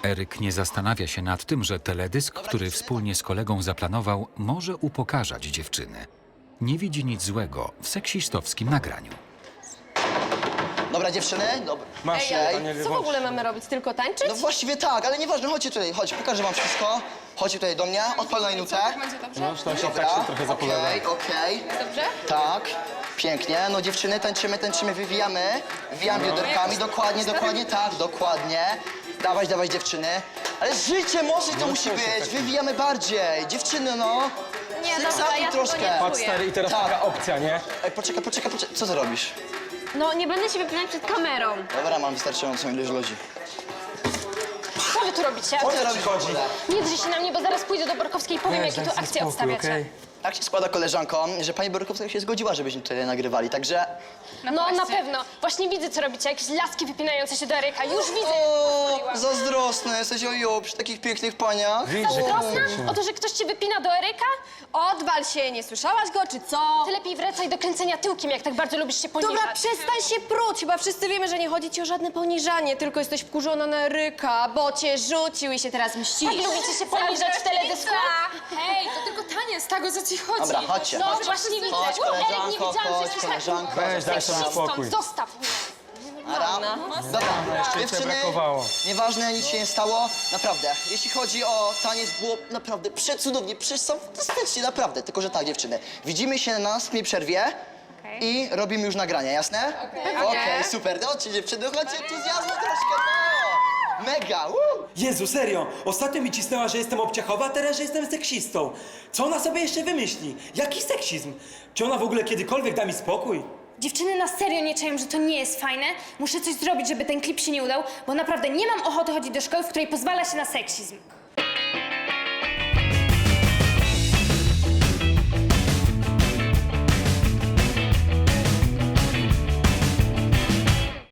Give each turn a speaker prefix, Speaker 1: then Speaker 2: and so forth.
Speaker 1: Eryk nie zastanawia się nad tym, że teledysk, który wspólnie z kolegą zaplanował, może upokarzać dziewczyny. Nie widzi nic złego w seksistowskim nagraniu.
Speaker 2: Dobra, dziewczyny, dobra.
Speaker 3: Masz,
Speaker 2: Ej,
Speaker 4: Co w ogóle mamy robić? Tylko tańczyć?
Speaker 2: no właściwie tak, ale nieważne, chodźcie tutaj, chodź, pokażę wam wszystko. Chodźcie tutaj do mnie, odpalaj nutę.
Speaker 4: Będzie dobrze?
Speaker 3: No, tak się
Speaker 2: Dobra,
Speaker 3: trochę zapowiada.
Speaker 2: okej.
Speaker 4: Dobrze?
Speaker 2: Tak, pięknie. No dziewczyny, tańczymy, wywijamy bioderkami, dokładnie, tak, dokładnie. Dawaj, dziewczyny. Ale życie może to musi być, wywijamy bardziej. Dziewczyny, no.
Speaker 4: Nie, dobra,
Speaker 2: Seksami
Speaker 4: ja
Speaker 2: troszkę.
Speaker 4: tego nie
Speaker 3: Patrz,
Speaker 4: czuję.
Speaker 3: stary, i teraz
Speaker 2: Tak.
Speaker 3: taka opcja, nie?
Speaker 2: Ej, poczekaj, co ty robisz?
Speaker 5: No, nie będę się wypinać przed kamerą.
Speaker 2: Dobra, mam wystarczającą ilość ludzi.
Speaker 5: Co wy tu robicie?
Speaker 2: Co ty robisz w ogóle?
Speaker 5: Nie drzyj się na mnie, bo zaraz pójdę do Borkowskiej i powiem, jakie tu akcje obstawiacie.
Speaker 2: Tak się składa, koleżanko, że pani Borykowska się zgodziła, żebyśmy tutaj nagrywali, także...
Speaker 5: No, na pewno. Właśnie widzę, co robicie. Jakieś laski wypinające się do Eryka. Już widzę.
Speaker 2: O, zazdrosny jesteś, ojo, przy takich pięknych paniach.
Speaker 5: Zazdrosna? O to, że ktoś cię wypina do Eryka?
Speaker 4: Odwal się, nie słyszałaś go, czy co?
Speaker 5: Ty lepiej wracaj do kręcenia tyłkiem, jak tak bardzo lubisz się poniżać.
Speaker 4: Dobra, przestań się pruć. Chyba wszyscy wiemy, że nie chodzi ci o żadne poniżanie, tylko jesteś wkurzona na Eryka, bo cię rzucił i się teraz mścisz.
Speaker 5: Tak lubicie się poniżać w teledysku?
Speaker 6: Hej, to tylko taniec, tak o co ci chodzi?
Speaker 2: Dobra, chodźcie.
Speaker 5: No, właśnie widzę.
Speaker 2: Chodź,
Speaker 5: Eryk, nie
Speaker 2: koleżanko,
Speaker 5: widziałam, że
Speaker 2: chodź,
Speaker 5: jesteś
Speaker 2: koleżanko.
Speaker 3: Weź, daj sobie
Speaker 5: seksistą.
Speaker 3: spokój.
Speaker 5: Zostaw mnie.
Speaker 2: Ara. Dobra,
Speaker 3: jeszcze
Speaker 2: dziewczyny,
Speaker 3: brakowało.
Speaker 2: nieważne, nic się nie stało, naprawdę. Jeśli chodzi o taniec, było naprawdę przecudownie, fantastycznie, naprawdę. Tylko, że tak, dziewczyny, widzimy się na następnej przerwie i robimy już nagrania, jasne? Okej, super. Chodźcie, dziewczyny, chodźcie, entuzjazmu troszkę, no! Mega,
Speaker 7: Jezu, serio! Ostatnio mi cisnęła, że jestem obciachowa, a teraz, że jestem seksistą. Co ona sobie jeszcze wymyśli? Jaki seksizm? Czy ona w ogóle kiedykolwiek da mi spokój?
Speaker 8: Dziewczyny na serio nie czują, że to nie jest fajne. Muszę coś zrobić, żeby ten klip się nie udał, bo naprawdę nie mam ochoty chodzić do szkoły, w której pozwala się na seksizm.